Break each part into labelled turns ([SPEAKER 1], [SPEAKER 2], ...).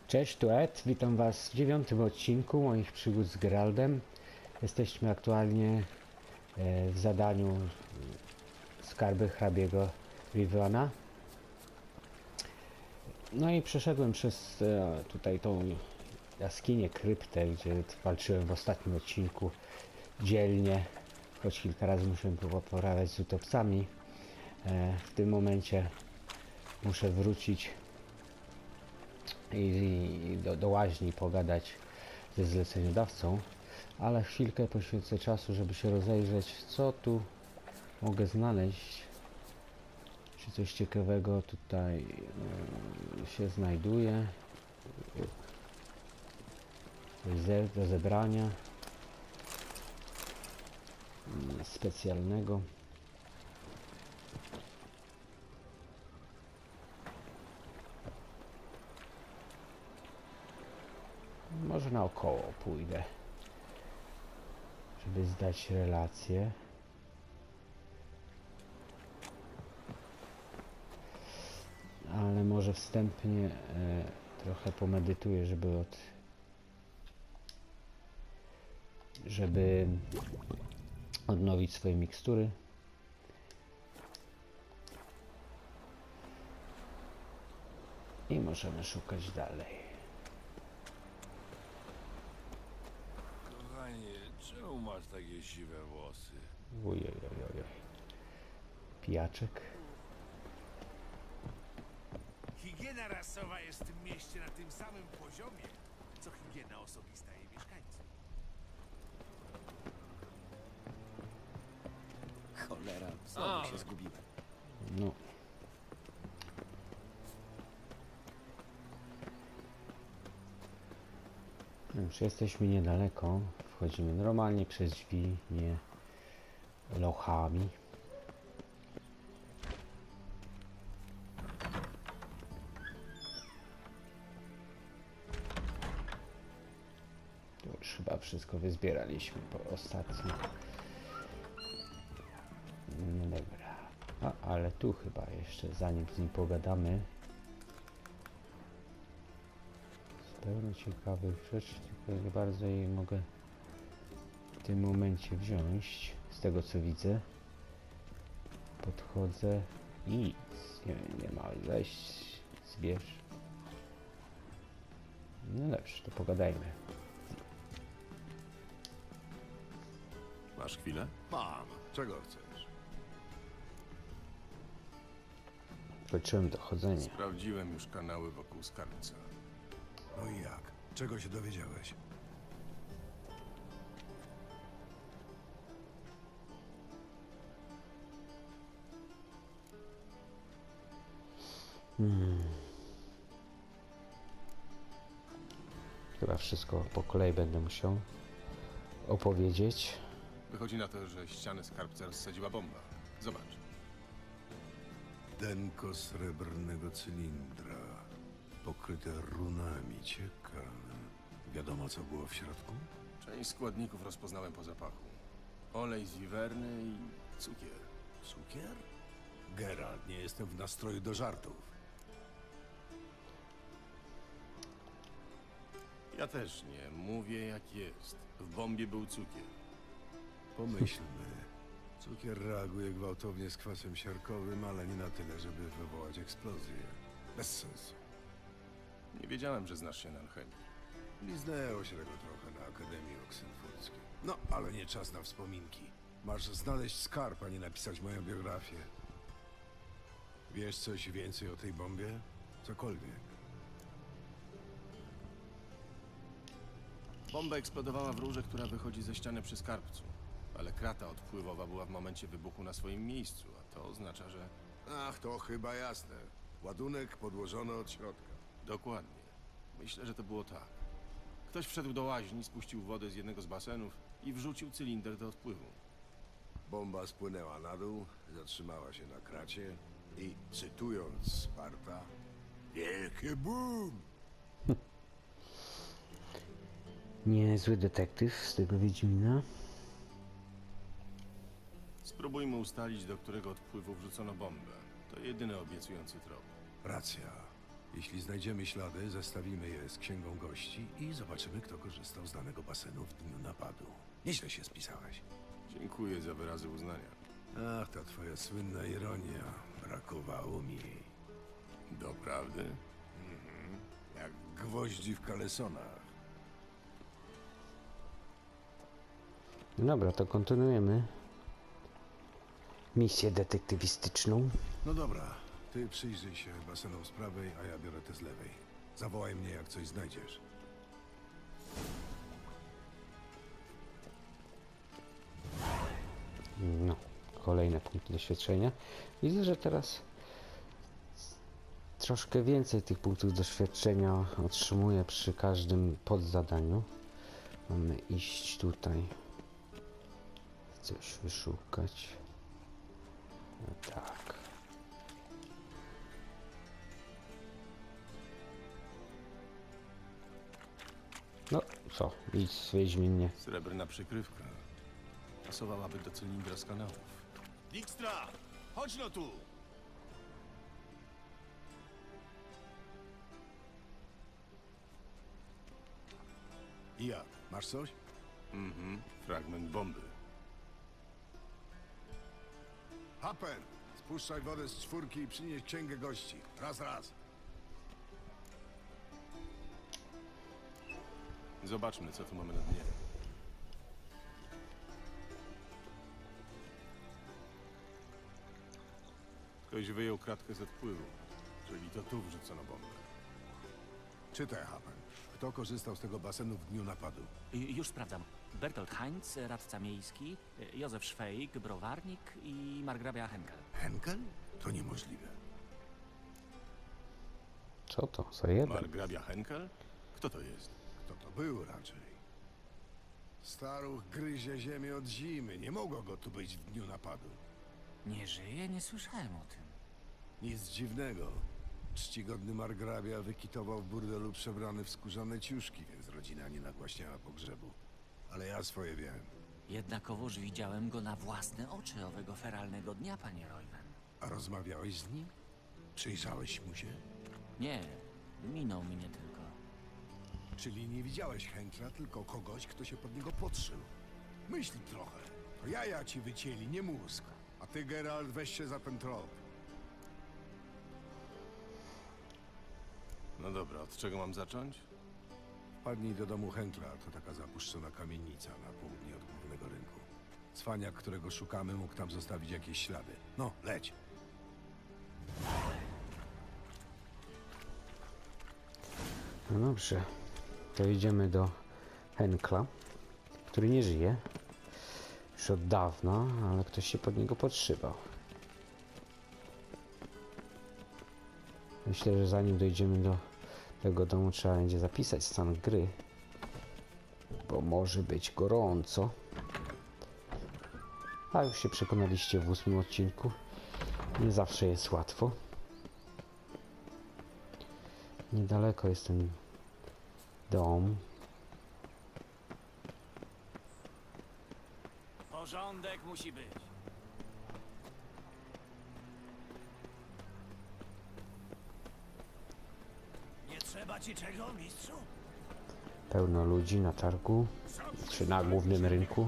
[SPEAKER 1] Cześć, tu Ed. Witam Was w 9. odcinku moich przygód z Geraldem. Jesteśmy aktualnie w zadaniu Skarby hrabiego Rivana. No i przeszedłem przez tutaj tą jaskinię, kryptę, gdzie walczyłem w ostatnim odcinku dzielnie, choć kilka razy musiałem poradzić z utopcami. W tym momencie muszę wrócić i do łaźni pogadać ze zleceniodawcą, ale chwilkę poświęcę czasu, żeby się rozejrzeć, co tu mogę znaleźć, czy coś ciekawego tutaj się znajduje, coś do zebrania specjalnego. Może naokoło pójdę, żeby zdać relację. Ale może wstępnie trochę pomedytuję, żeby odnowić swoje mikstury. I możemy szukać dalej.
[SPEAKER 2] Kochanie, czemu masz takie siwe włosy?
[SPEAKER 1] Ojojojoj. Pijaczek.
[SPEAKER 3] Higiena rasowa jest w tym mieście na tym samym poziomie, co higiena osobista jej mieszkańców.
[SPEAKER 4] Cholera, znowu się zgubiłem.
[SPEAKER 1] No. Już jesteśmy niedaleko. Wchodzimy normalnie przez drzwi, nie lochami. To już chyba wszystko wyzbieraliśmy po ostatnim. No dobra. Ale tu chyba jeszcze, zanim z nim pogadamy, pełno ciekawych rzeczy, tylko nie bardzo jej mogę w tym momencie wziąć. Z tego co widzę, podchodzę i nic nie ma. Weź, zbierz. No dobrze, to pogadajmy.
[SPEAKER 2] Masz chwilę?
[SPEAKER 3] Mam. Czego chcesz?
[SPEAKER 1] Kończyłem dochodzenie.
[SPEAKER 2] Sprawdziłem już kanały wokół skarbca.
[SPEAKER 3] No i jak? Czego się dowiedziałeś?
[SPEAKER 1] Chyba wszystko po kolei będę musiał opowiedzieć.
[SPEAKER 2] Wychodzi na to, że ścianę skarbca rozsadziła bomba. Zobacz.
[SPEAKER 5] Denko srebrnego cylindra, pokryte runami. Ciekawe. Wiadomo, co było w środku?
[SPEAKER 2] Część składników rozpoznałem po zapachu. Olej z wiwerny i cukier.
[SPEAKER 5] Cukier? Geralt, nie jestem w nastroju do żartów.
[SPEAKER 2] Ja też nie. Mówię jak jest. W bombie był cukier.
[SPEAKER 5] Pomyślmy. Cukier reaguje gwałtownie z kwasem siarkowym, ale nie na tyle, żeby wywołać eksplozję. Bez sensu.
[SPEAKER 2] Nie wiedziałem, że znasz się na alchemii.
[SPEAKER 5] Liznęło się tego trochę na Akademii Oksenfurckiej. No, ale nie czas na wspominki. Masz znaleźć skarb, a nie napisać moją biografię. Wiesz coś więcej o tej bombie? Cokolwiek.
[SPEAKER 2] Bomba eksplodowała w rurze, która wychodzi ze ściany przy skarbcu. Ale krata odpływowa była w momencie wybuchu na swoim miejscu, a to oznacza, że...
[SPEAKER 5] Ach, to chyba jasne. Ładunek podłożony od środka.
[SPEAKER 2] Dokładnie. Myślę, że to było tak. Ktoś wszedł do łaźni, spuścił wodę z jednego z basenów i wrzucił cylinder do odpływu.
[SPEAKER 5] Bomba spłynęła na dół, zatrzymała się na kracie i, cytując Sparta, wielkie boom!
[SPEAKER 1] Niezły detektyw z tego Wiedźmina.
[SPEAKER 2] Spróbujmy ustalić, do którego odpływu wrzucono bombę. To jedyny obiecujący trop.
[SPEAKER 5] Racja. Jeśli znajdziemy ślady, zestawimy je z księgą gości i zobaczymy, kto korzystał z danego basenu w dniu napadu. Nieźle się spisałeś.
[SPEAKER 2] Dziękuję za wyrazy uznania.
[SPEAKER 5] Ach, ta twoja słynna ironia. Brakowało mi jej.
[SPEAKER 2] Doprawdy?
[SPEAKER 5] Jak gwoździ w kalesonach.
[SPEAKER 1] Dobra, to kontynuujemy misję detektywistyczną.
[SPEAKER 5] No dobra, ty przyjrzyj się basenom z prawej, a ja biorę te z lewej. Zawołaj mnie, jak coś znajdziesz.
[SPEAKER 1] No, kolejne punkty doświadczenia. Widzę, że teraz troszkę więcej tych punktów doświadczenia otrzymuję przy każdym podzadaniu. Mamy iść tutaj, coś wyszukać. No tak. No co, idź Wiedźminie.
[SPEAKER 2] Srebrna przykrywka. Pasowałaby do cylindra z kanałów.
[SPEAKER 3] Dijkstra! Chodź no tu!
[SPEAKER 5] I jak? Masz coś?
[SPEAKER 2] Fragment bomby.
[SPEAKER 5] Hapen! Spuszczaj wodę z czwórki i przynieś księgę gości. Raz, raz.
[SPEAKER 2] Zobaczmy, co tu mamy na dnie. Ktoś wyjął kratkę z odpływu, czyli to tu wrzucono bombę.
[SPEAKER 5] Czytaj, Hapen. Kto korzystał z tego basenu w dniu napadu?
[SPEAKER 6] Już sprawdzam. Bertolt Heinz, radca miejski, Józef Szwejk, browarnik i margrabia Henkel.
[SPEAKER 5] Henkel? To niemożliwe.
[SPEAKER 1] Co to za jeden?
[SPEAKER 2] Margrabia Henkel? Kto to jest?
[SPEAKER 5] Kto to był raczej? Staruch gryzie ziemię od zimy. Nie mogło go tu być w dniu napadu.
[SPEAKER 6] Nie żyje? Nie słyszałem o tym.
[SPEAKER 5] Nic dziwnego. Czcigodny margrabia wykitował w burdelu przebrany w skórzane ciuszki, więc rodzina nie nagłaśniała pogrzebu. Ale ja swoje wiem.
[SPEAKER 6] Jednakowoż widziałem go na własne oczy owego feralnego dnia, panie Royven.
[SPEAKER 5] A rozmawiałeś z nim? Przyjrzałeś mu się?
[SPEAKER 6] Nie, minął mnie tylko.
[SPEAKER 5] Czyli nie widziałeś Henkla, tylko kogoś, kto się pod niego podszył. Myśl trochę. To jaja ci wycięli, nie mózg. A ty, Geralt, weź się za ten trop.
[SPEAKER 2] No dobra, od czego mam zacząć?
[SPEAKER 5] Wpadnij do domu Henkla, to taka zapuszczona kamienica na południe od głównego rynku. Cwaniak, którego szukamy, mógł tam zostawić jakieś ślady. No, leć.
[SPEAKER 1] No dobrze, to idziemy do Henkla, który nie żyje już od dawna, ale ktoś się pod niego podszywał. Myślę, że zanim dojdziemy do tego domu, trzeba będzie zapisać stan gry, bo może być gorąco. A już się przekonaliście w 8 odcinku, nie zawsze jest łatwo. Niedaleko jest ten dom.
[SPEAKER 6] Porządek musi być.
[SPEAKER 3] Nie trzeba ci czego, mistrzu?
[SPEAKER 1] Pełno ludzi na targu, czy na głównym rynku.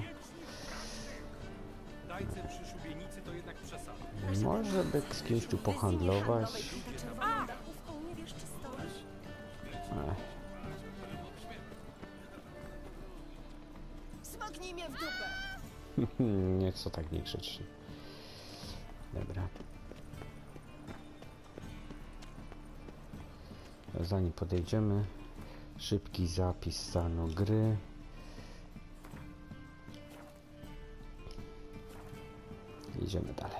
[SPEAKER 7] Dajcy przy szubienicy to jednak przesada.
[SPEAKER 1] Może by z kimś tu pohandlować.
[SPEAKER 8] Nie wiesz, czy stoisz?
[SPEAKER 1] Ech,
[SPEAKER 8] Smoknij mnie w dupę!
[SPEAKER 1] nie co tak niegrzecznie. Dobra. Zanim podejdziemy, szybki zapis stanu gry. Idziemy dalej.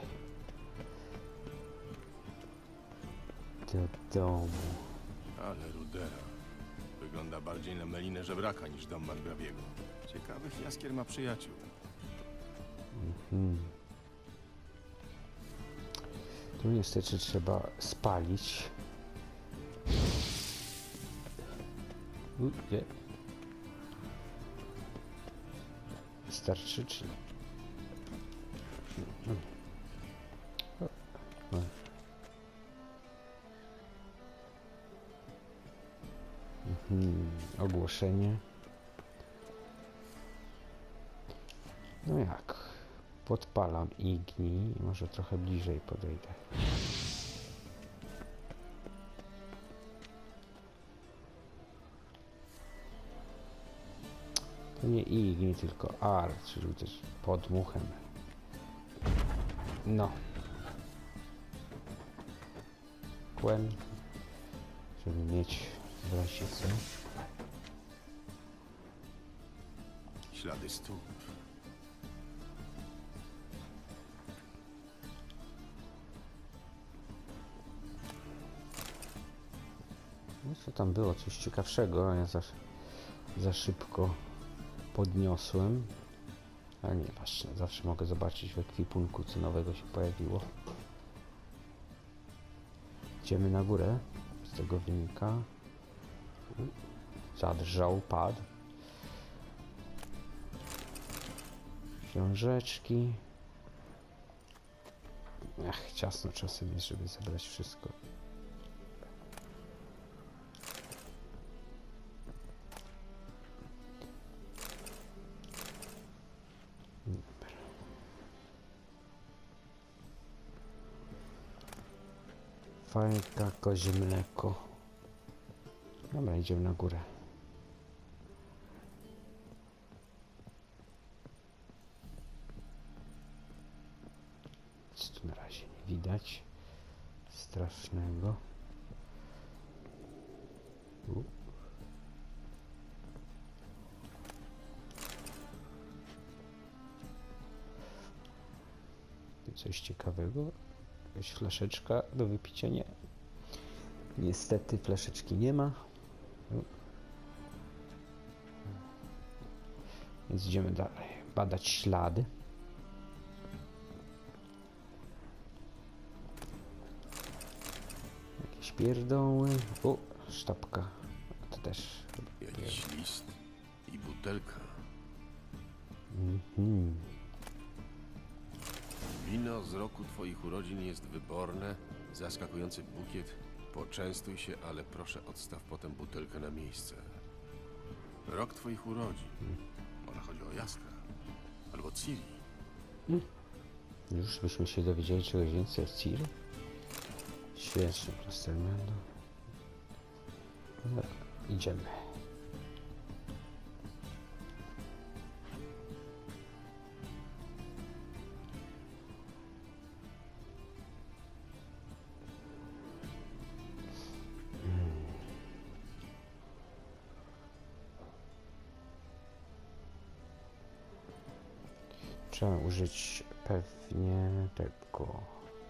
[SPEAKER 1] Do domu.
[SPEAKER 2] Ale rudera. Wygląda bardziej na melinę żebraka niż dom margrabiego. Ciekawych jaskier ma przyjaciół.
[SPEAKER 1] Tu niestety trzeba spalić. Gdzie? Wystarczy czy nie? Ogłoszenie. No jak? Podpalam igni i może trochę bliżej podejdę. To nie igni, tylko ar, czyli też podmuchem. No. Kłem, żeby mieć w razie co.
[SPEAKER 2] Ślady stóp.
[SPEAKER 1] No co tam było? Coś ciekawszego, a ja za szybko podniosłem. Ale nieważne, zawsze mogę zobaczyć w ekwipunku, co nowego się pojawiło. Idziemy na górę, z tego wynika. Zadrżał pad. Książeczki. Ach, ciasno czasem jest, żeby zebrać wszystko. Fajka, kozie mleko. Dobra, idziemy na górę. Nic tu na razie nie widać strasznego. Coś ciekawego. Jakaś flaszeczka do wypicia? Nie. Niestety flaszeczki nie ma. Więc idziemy dalej. Badać ślady. Jakieś pierdoły. O, sztabka. To też.
[SPEAKER 2] Jakiś list i butelka. Wino z roku twoich urodzin jest wyborne, zaskakujący bukiet. Poczęstuj się, ale proszę odstaw potem butelkę na miejsce. Rok twoich urodzin. Może chodzi o Jaskra. Albo Ciri.
[SPEAKER 1] Już byśmy się dowiedzieli czegoś więcej o Ciri. Świetnie, Plastermendo. No, idziemy. Trzeba użyć pewnie tego.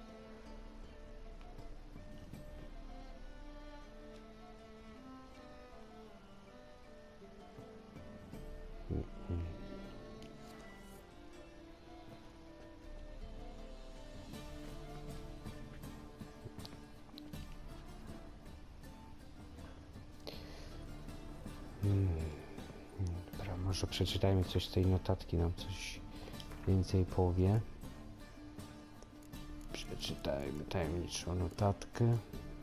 [SPEAKER 1] Dobra, może przeczytajmy coś z tej notatki, nam coś więcej powie. Przeczytajmy tajemniczą notatkę.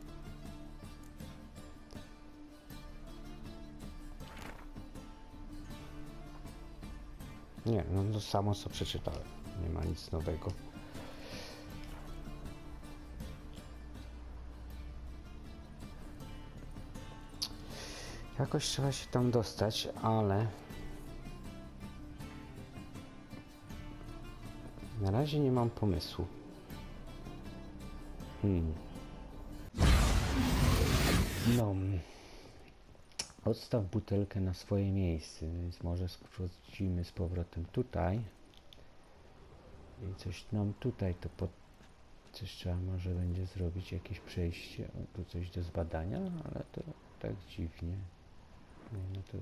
[SPEAKER 1] Nie, no to samo co przeczytałem. Nie ma nic nowego. Jakoś trzeba się tam dostać, ale na razie nie mam pomysłu. No. Odstaw butelkę na swoje miejsce, więc może sprawdzimy z powrotem tutaj. I coś nam tutaj to coś trzeba może będzie zrobić, jakieś przejście. O, tu coś do zbadania, ale to tak dziwnie. Nie, no to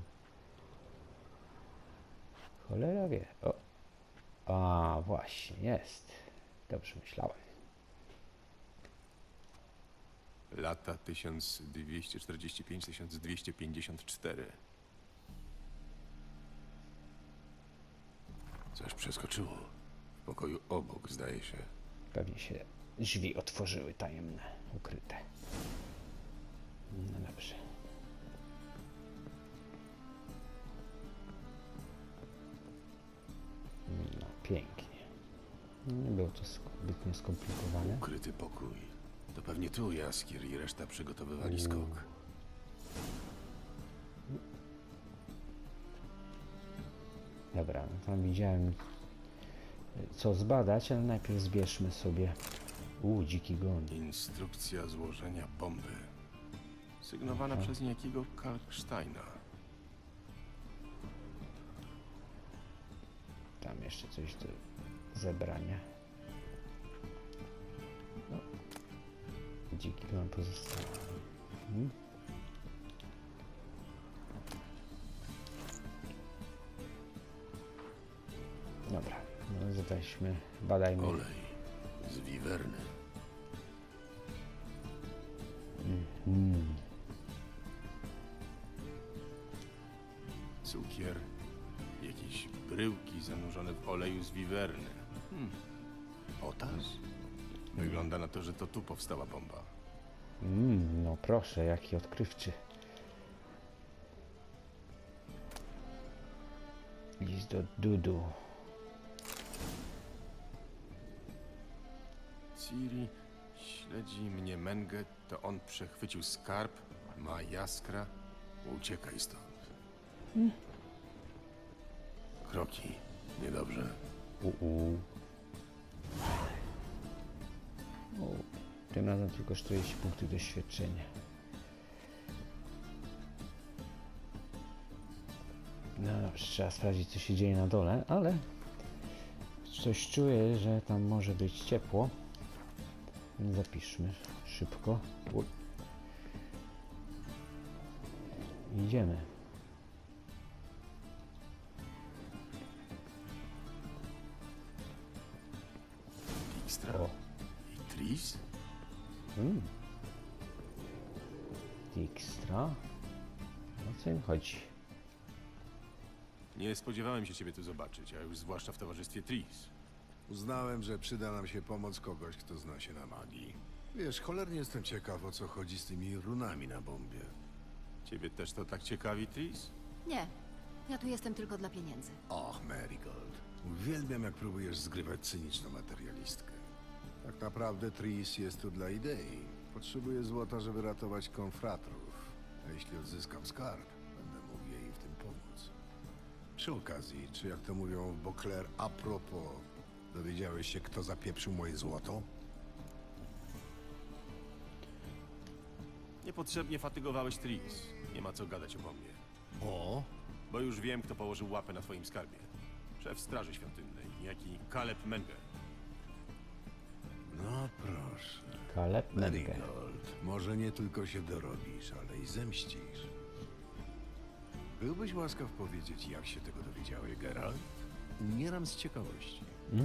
[SPEAKER 1] cholera wie. O. A, właśnie, jest. Dobrze myślałem.
[SPEAKER 2] Lata 1245-1254. Coś przeskoczyło. W pokoju obok, zdaje się.
[SPEAKER 1] Pewnie się drzwi otworzyły tajemne, ukryte. No dobrze. pięknie. Nie było to zbytnio skomplikowane.
[SPEAKER 2] Ukryty pokój. To pewnie tu Jaskier i reszta przygotowywali skok.
[SPEAKER 1] Dobra, no tam widziałem co zbadać, ale najpierw zbierzmy sobie... dziki gon.
[SPEAKER 2] Instrukcja złożenia bomby. Sygnowana przez niejakiego Kalksteina.
[SPEAKER 1] Tam jeszcze coś do zebrania. No. Dziki gon pozostał. Dobra, no weźmy, badajmy.
[SPEAKER 2] Olej z wiwerny. Cukier. Jakieś bryłki zanurzone w oleju z wiwerny. Potas? Wygląda na to, że to tu powstała bomba.
[SPEAKER 1] No proszę, jaki odkrywczy. List do Dudu.
[SPEAKER 2] Ciri śledzi mnie Mengę, to on przechwycił skarb, ma jaskra. Uciekaj stąd. Kroki. Niedobrze.
[SPEAKER 1] Tym razem tylko 40 punktów doświadczenia. No dobrze, trzeba sprawdzić co się dzieje na dole, ale coś czuję, że tam może być ciepło. Więc zapiszmy szybko. Idziemy.
[SPEAKER 2] Dijkstra
[SPEAKER 1] O.
[SPEAKER 2] i Tris?
[SPEAKER 1] Dijkstra. O co im chodzi?
[SPEAKER 2] Nie spodziewałem się ciebie tu zobaczyć, a już zwłaszcza w towarzystwie Tris.
[SPEAKER 5] Uznałem, że przyda nam się pomoc kogoś, kto zna się na magii. Wiesz, cholernie jestem ciekaw, o co chodzi z tymi runami na bombie.
[SPEAKER 2] Ciebie też to tak ciekawi, Tris?
[SPEAKER 8] Nie, ja tu jestem tylko dla pieniędzy.
[SPEAKER 5] Och, Marigold. Uwielbiam, jak próbujesz zgrywać cyniczną materialistkę. Tak naprawdę Tris jest tu dla idei. Potrzebuję złota, żeby ratować konfratrów. A jeśli odzyskam skarb, będę mógł jej w tym pomóc. Przy okazji, czy jak to mówią w Beauclair, a propos, dowiedziałeś się, kto zapieprzył moje złoto?
[SPEAKER 2] Niepotrzebnie fatygowałeś Tris. Nie ma co gadać o bombie.
[SPEAKER 5] O,
[SPEAKER 2] Bo już wiem, kto położył łapę na twoim skarbie. Szef Straży Świątynnej, niejaki Caleb Menge.
[SPEAKER 5] no proszę.
[SPEAKER 1] Caleb Menge.
[SPEAKER 5] Marigold, może nie tylko się dorobisz, ale i zemścisz. Byłbyś łaskaw powiedzieć, jak się tego dowiedziałeś, Geralt? Umieram z ciekawości.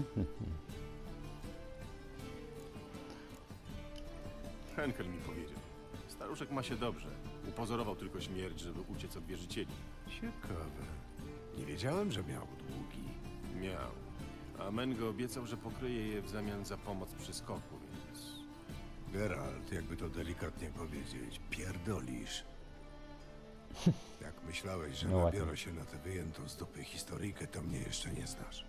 [SPEAKER 2] Henkel mi powiedział. Staruszek ma się dobrze. Upozorował tylko śmierć, żeby uciec od wierzycieli.
[SPEAKER 5] Ciekawe. Nie wiedziałem, że miał długi.
[SPEAKER 2] Miał. A Menge obiecał, że pokryje je w zamian za pomoc przy skoku, więc...
[SPEAKER 5] Geralt, jakby to delikatnie powiedzieć, pierdolisz. Jak myślałeś, że
[SPEAKER 1] No ładnie.
[SPEAKER 5] nabiorę się na tę wyjętą z dupy historyjkę, to mnie jeszcze nie znasz.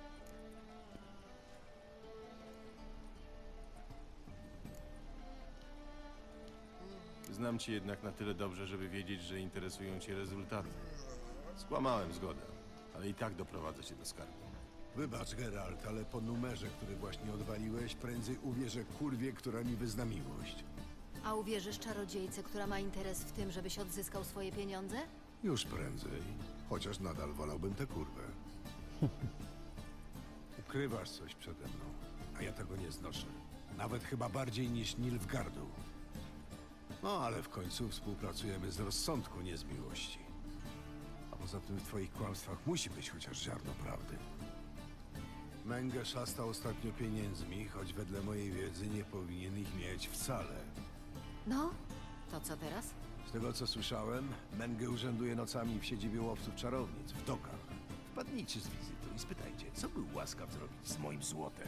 [SPEAKER 2] Znam cię jednak na tyle dobrze, żeby wiedzieć, że interesują cię rezultaty. Skłamałem, zgodę. Ale i tak doprowadzę cię do skarbu.
[SPEAKER 5] Wybacz, Geralt, ale po numerze, który właśnie odwaliłeś, prędzej uwierzę kurwie, która mi wyzna miłość.
[SPEAKER 8] A uwierzysz czarodziejce, która ma interes w tym, żebyś odzyskał swoje pieniądze?
[SPEAKER 5] Już prędzej. Chociaż nadal wolałbym tę kurwę. Ukrywasz coś przede mną, a ja tego nie znoszę. Nawet chyba bardziej niż Nilfgaardu. No, ale w końcu współpracujemy z rozsądku, nie z miłości. A poza tym w twoich kłamstwach musi być chociaż ziarno prawdy. Menge szasta ostatnio pieniędzmi, choć wedle mojej wiedzy nie powinien ich mieć wcale.
[SPEAKER 8] No, to co teraz?
[SPEAKER 5] Z tego co słyszałem, Menge urzęduje nocami w siedzibie łowców czarownic, w dokach. Wpadnijcie z wizytą i spytajcie, co był łaskaw zrobić z moim złotem.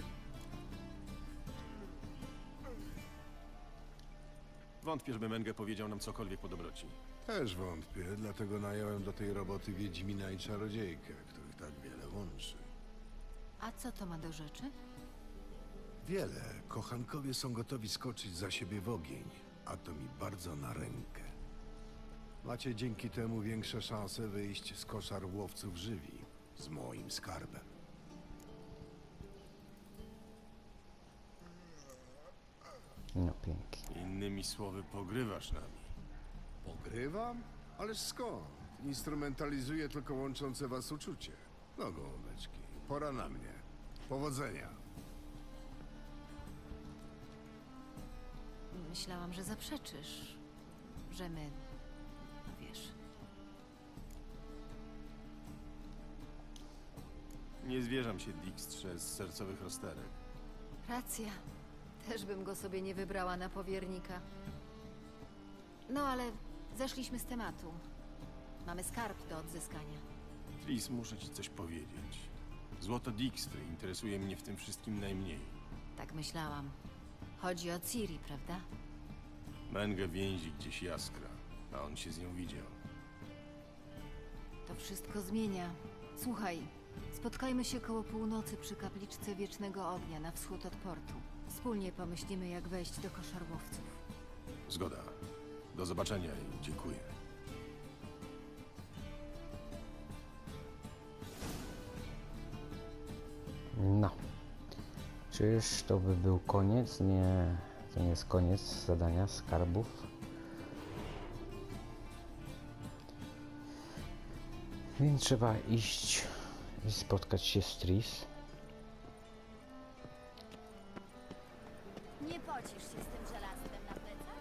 [SPEAKER 2] Wątpię, żeby Menge powiedział nam cokolwiek po dobroci.
[SPEAKER 5] Też wątpię, dlatego nająłem do tej roboty Wiedźmina i czarodziejkę, których tak wiele łączy.
[SPEAKER 8] A co to ma do rzeczy?
[SPEAKER 5] Wiele. Kochankowie są gotowi skoczyć za siebie w ogień, a to mi bardzo na rękę. Macie dzięki temu większe szanse wyjść z koszar łowców żywi z moim skarbem.
[SPEAKER 1] No pięknie.
[SPEAKER 2] Innymi słowy, pogrywasz nami.
[SPEAKER 5] Pogrywam? Ależ skąd? Instrumentalizuję tylko łączące was uczucie. No gołąbeczki, pora na mnie. Powodzenia.
[SPEAKER 8] Myślałam, że zaprzeczysz, że my, no wiesz.
[SPEAKER 2] Nie zwierzam się Dijkstrze z sercowych rozterek.
[SPEAKER 8] Racja. Też bym go sobie nie wybrała na powiernika. No ale zeszliśmy z tematu. Mamy skarb do odzyskania.
[SPEAKER 2] Tris, muszę ci coś powiedzieć. Złoto Dijkstry interesuje mnie w tym wszystkim najmniej.
[SPEAKER 8] Tak myślałam. Chodzi o Ciri, prawda?
[SPEAKER 2] Mengę więzi gdzieś jaskra, a on się z nią widział.
[SPEAKER 8] To wszystko zmienia. Słuchaj, spotkajmy się koło północy przy kapliczce Wiecznego Ognia na wschód od portu. Wspólnie pomyślimy, jak wejść do koszarłowców.
[SPEAKER 2] Zgoda. Do zobaczenia i dziękuję.
[SPEAKER 1] No. Czyż to by był koniec? Nie, to nie jest koniec zadania skarbów. Więc trzeba iść i spotkać się z Tris.
[SPEAKER 8] Nie pocisz się z tym żelazem na plecach?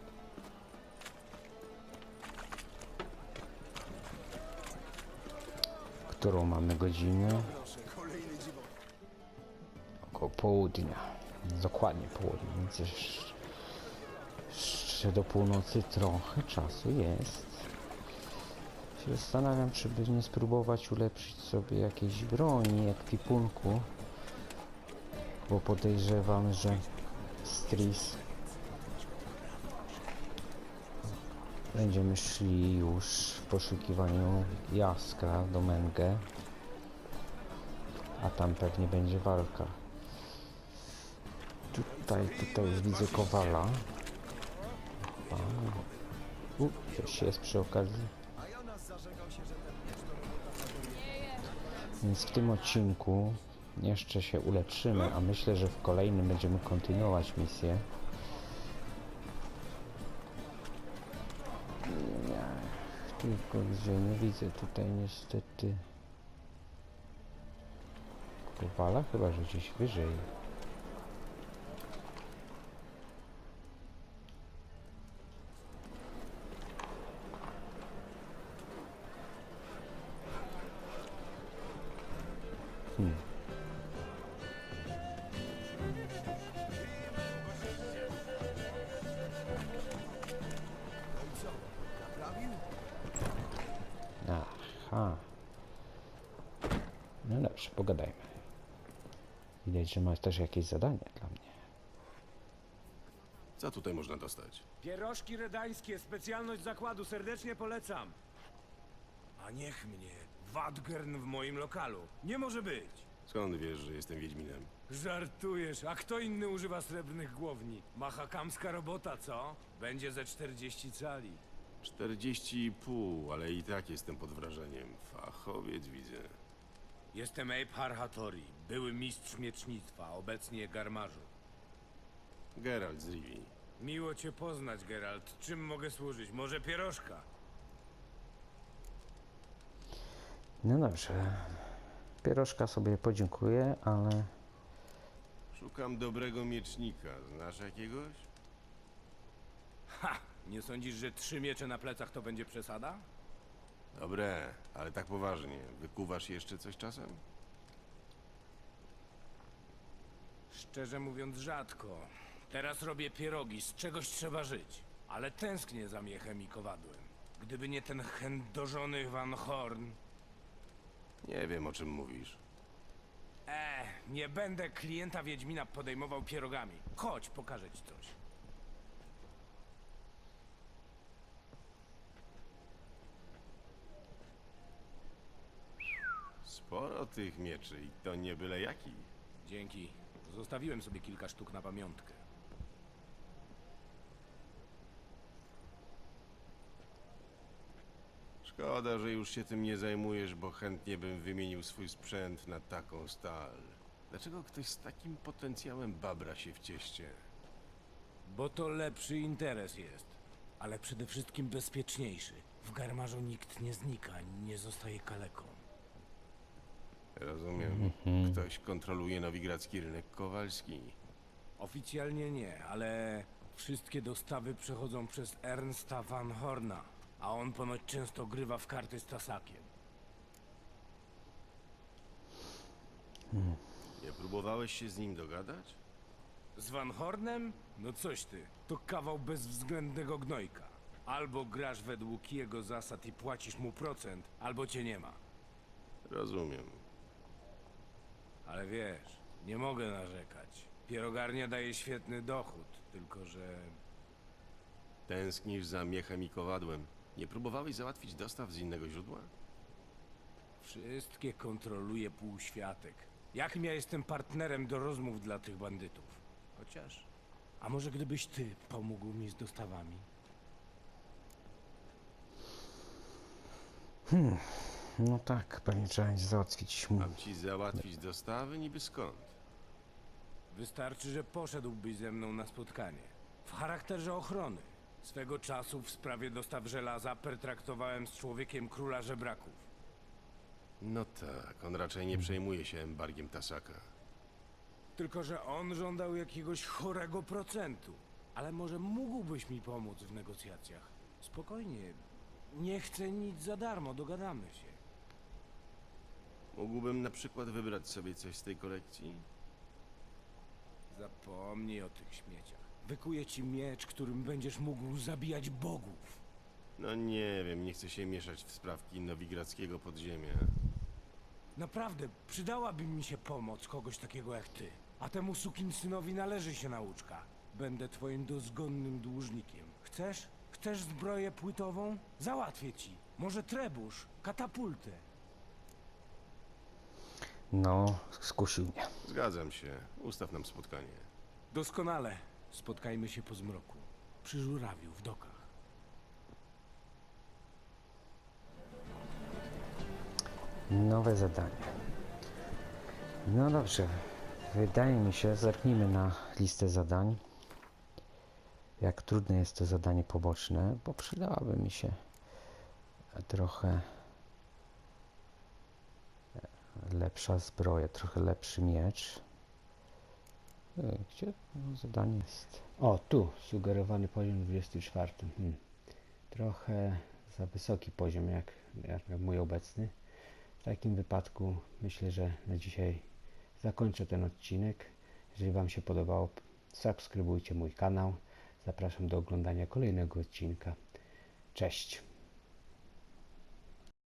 [SPEAKER 1] Którą mamy godzinę? Około południa. Dokładnie południe, więc jeszcze do północy trochę czasu jest. Się zastanawiam, czy by nie spróbować ulepszyć sobie jakiejś broni, ekwipunku. Bo podejrzewam, że Tris będziemy szli już w poszukiwaniu jaskra do Mengę, a tam pewnie będzie walka. Tutaj już widzę Kowala. Coś jest przy okazji. Więc w tym odcinku jeszcze się ulepszymy, a myślę, że w kolejnym będziemy kontynuować misję. Tylko gdzie nie widzę tutaj niestety Kowala, chyba że gdzieś wyżej. Aha. No dobrze, pogadajmy. Widać, że masz też jakieś zadanie dla mnie.
[SPEAKER 2] Co tutaj można dostać?
[SPEAKER 7] Pierożki redańskie, specjalność zakładu, serdecznie polecam. A niech mnie, Wadgern w moim lokalu. Nie może być.
[SPEAKER 2] Skąd wiesz, że jestem Wiedźminem?
[SPEAKER 7] Żartujesz, a kto inny używa srebrnych głowni? Machakamska robota, co? Będzie ze 40 cali.
[SPEAKER 2] 40,5, ale i tak jestem pod wrażeniem. Fachowiec widzę.
[SPEAKER 7] Jestem Abe Harhatori, były mistrz miecznictwa, obecnie garmarzu.
[SPEAKER 2] Geralt z Rivii.
[SPEAKER 7] Miło cię poznać, Geralt. Czym mogę służyć? Może pierożka?
[SPEAKER 1] No dobrze. Pierożka sobie podziękuję, ale
[SPEAKER 2] Szukam dobrego miecznika. Znasz jakiegoś?
[SPEAKER 7] Ha! Nie sądzisz, że 3 miecze na plecach to będzie przesada?
[SPEAKER 2] Dobre, ale tak poważnie. Wykuwasz jeszcze coś czasem?
[SPEAKER 7] Szczerze mówiąc, rzadko. Teraz robię pierogi, z czegoś trzeba żyć. Ale tęsknię za miechem i kowadłem. Gdyby nie ten chędożony Van Horn...
[SPEAKER 2] Nie wiem, o czym mówisz.
[SPEAKER 7] Nie będę klienta Wiedźmina podejmował pierogami. Chodź, pokażę ci coś.
[SPEAKER 2] Sporo tych mieczy i to nie byle jakich.
[SPEAKER 7] Dzięki. Zostawiłem sobie kilka sztuk na pamiątkę.
[SPEAKER 2] Szkoda, że już się tym nie zajmujesz, bo chętnie bym wymienił swój sprzęt na taką stal. Dlaczego ktoś z takim potencjałem babra się w cieście?
[SPEAKER 7] Bo to lepszy interes jest. Ale przede wszystkim bezpieczniejszy. W Garmarzu nikt nie znika, ani nie zostaje kaleką.
[SPEAKER 2] Rozumiem. Ktoś kontroluje nowigradzki rynek kowalski.
[SPEAKER 7] Oficjalnie nie, ale wszystkie dostawy przechodzą przez Ernsta van Horna, a on ponoć często grywa w karty z Tasakiem.
[SPEAKER 2] Nie próbowałeś się z nim dogadać?
[SPEAKER 7] Z Van Hornem? No coś ty, to kawał bezwzględnego gnojka. Albo grasz według jego zasad i płacisz mu procent, albo cię nie ma.
[SPEAKER 2] Rozumiem.
[SPEAKER 7] Ale wiesz, nie mogę narzekać. Pierogarnia daje świetny dochód, tylko że...
[SPEAKER 2] Tęsknisz za miechem i kowadłem. Nie próbowałeś załatwić dostaw z innego źródła?
[SPEAKER 7] Wszystkie kontroluje półświatek. Jakim ja jestem partnerem do rozmów dla tych bandytów? Chociaż... A może gdybyś ty pomógł mi z dostawami?
[SPEAKER 1] No tak, pewnie trzeba będzie załatwić mu.
[SPEAKER 2] Mam ci załatwić dostawy niby skąd?
[SPEAKER 7] Wystarczy, że poszedłbyś ze mną na spotkanie. W charakterze ochrony. Swego czasu w sprawie dostaw żelaza pertraktowałem z człowiekiem króla żebraków.
[SPEAKER 2] No tak, on raczej nie przejmuje się embargiem Tasaka.
[SPEAKER 7] Tylko że on żądał jakiegoś chorego procentu. Ale może mógłbyś mi pomóc w negocjacjach? Spokojnie. Nie chcę nic za darmo, dogadamy się.
[SPEAKER 2] Mógłbym na przykład wybrać sobie coś z tej kolekcji?
[SPEAKER 7] Zapomnij o tych śmieciach. Wykuję ci miecz, którym będziesz mógł zabijać bogów.
[SPEAKER 2] No nie wiem, nie chcę się mieszać w sprawki nowigradzkiego podziemia.
[SPEAKER 7] Naprawdę, przydałaby mi się pomoc kogoś takiego jak ty. A temu sukinsynowi należy się nauczka. Będę twoim dozgonnym dłużnikiem. Chcesz? Chcesz zbroję płytową? Załatwię ci. Może trebusz, katapultę.
[SPEAKER 1] No, skusił mnie.
[SPEAKER 2] Zgadzam się. Ustaw nam spotkanie.
[SPEAKER 7] Doskonale. Spotkajmy się po zmroku. Przy żurawiu w dokach.
[SPEAKER 1] Nowe zadanie. No dobrze. Wydaje mi się, zerknijmy na listę zadań. Jak trudne jest to zadanie poboczne, bo przydałaby mi się trochę lepsza zbroja, trochę lepszy miecz. Gdzie zadanie jest? O, tu, sugerowany poziom 24. Trochę za wysoki poziom, jak mój obecny. W takim wypadku myślę, że na dzisiaj zakończę ten odcinek. Jeżeli Wam się podobało, subskrybujcie mój kanał. Zapraszam do oglądania kolejnego odcinka. Cześć!